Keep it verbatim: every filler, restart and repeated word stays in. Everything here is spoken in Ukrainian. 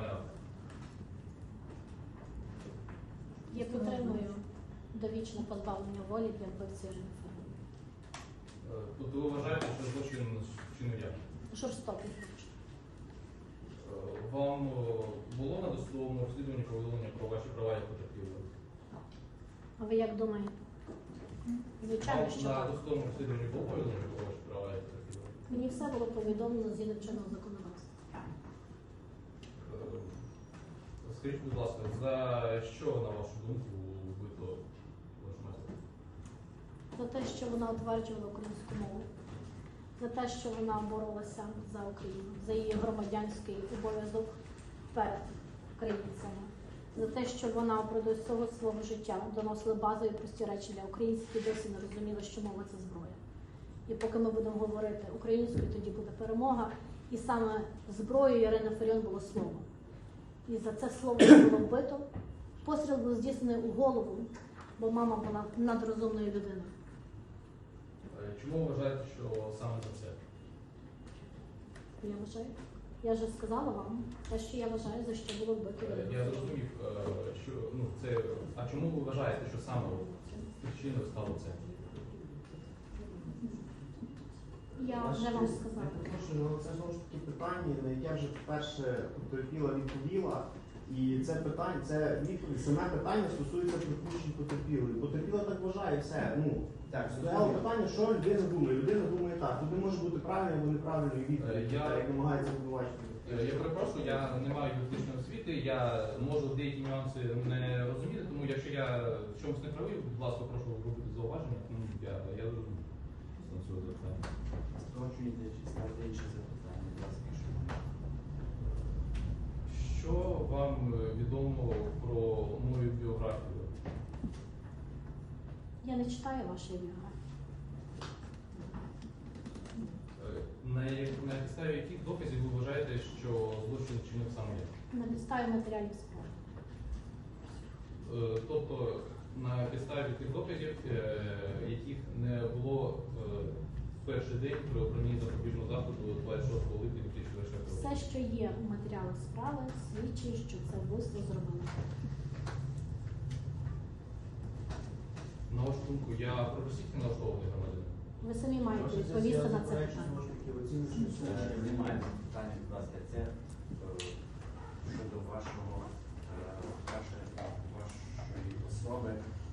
автор. Я підтримую довічне позбавлення волі для вбивці Ірини Фаріон. Е, Тобто ви вважаєте, що злочин вчинив я? Жорстокий злочин. Е, Вам е, було на досудовому розслідуванні повідомлення про ваші права як потерпілого? А ви як думаєте? Звичайно, Вам що на так. досудовому розслідуванні було повідомлення про ваші права як потерпілого? Мені все було повідомлено згідно чинного законодавства. Е, Скажіть, будь ласка, за що, на вашу думку, вбито вашу майстру? За те, що вона утверджувала українську мову, за те, що вона боролася за Україну, за її громадянський обов'язок перед українцями, за те, що вона впродовж всього свого життя доносила базові прості речі для українців, які досі не розуміли, що мова – це зброя. І поки ми будемо говорити українською, тоді буде перемога. І саме зброєю Ірини Фаріон було слово. І за це слово було вбито. Постріл був здійснений у голову, бо мама була надрозумною людиною. Е, Чому ви вважаєте, що саме за це? Я вважаю. Я вже сказала вам те, що я вважаю, за що було вбито. Е, Я зрозумів, е, що ну це. А чому ви вважаєте, що саме причиною стало це? Я вже вам сказала. Ну, це знову ж таки питання, на яке вже вперше потерпіла відповіла. І це питання, це відповідь, саме питання стосується припущень потерпілої. Потерпіла так вважає, все. Ну, Так, стояло питання, що людина думає. Людина думає так. Туди може бути правильною або неправильною Е, відповідь, я- так, як намагається обвинувачити. Е, Я перепрошую, я не маю юридичної освіти, я можу деякі нюанси не розуміти, тому якщо я в чомусь не правий, будь ласка, прошу робити зауваження. Ну, я, я зрозумів стосовно цього запитання. Скорочуєте чи ставите інші запитання, будь ласка, якщо можна. Що вам е, відомо про мою біографію? Я не читаю вашої біографії. Е, На, як- на підставі яких доказів ви вважаєте, що злочин вчинив саме я? На підставі матеріалів справи. Е, Тобто на підставі тих доказів, е, яких не було е, в перший день при обранні запобіжного заходу двадцять шостого липня дві тисячі двадцять четвертого року. Все, що є у матеріалах справи, свідчить, що це вбивство зробили. На вашу думку, я прогресивно налаштований громадянин? Ви самі маєте відповісти на це питання. Е, Немає питання, будь ласка, це е, щодо вашого, е, вашої, вашої особи.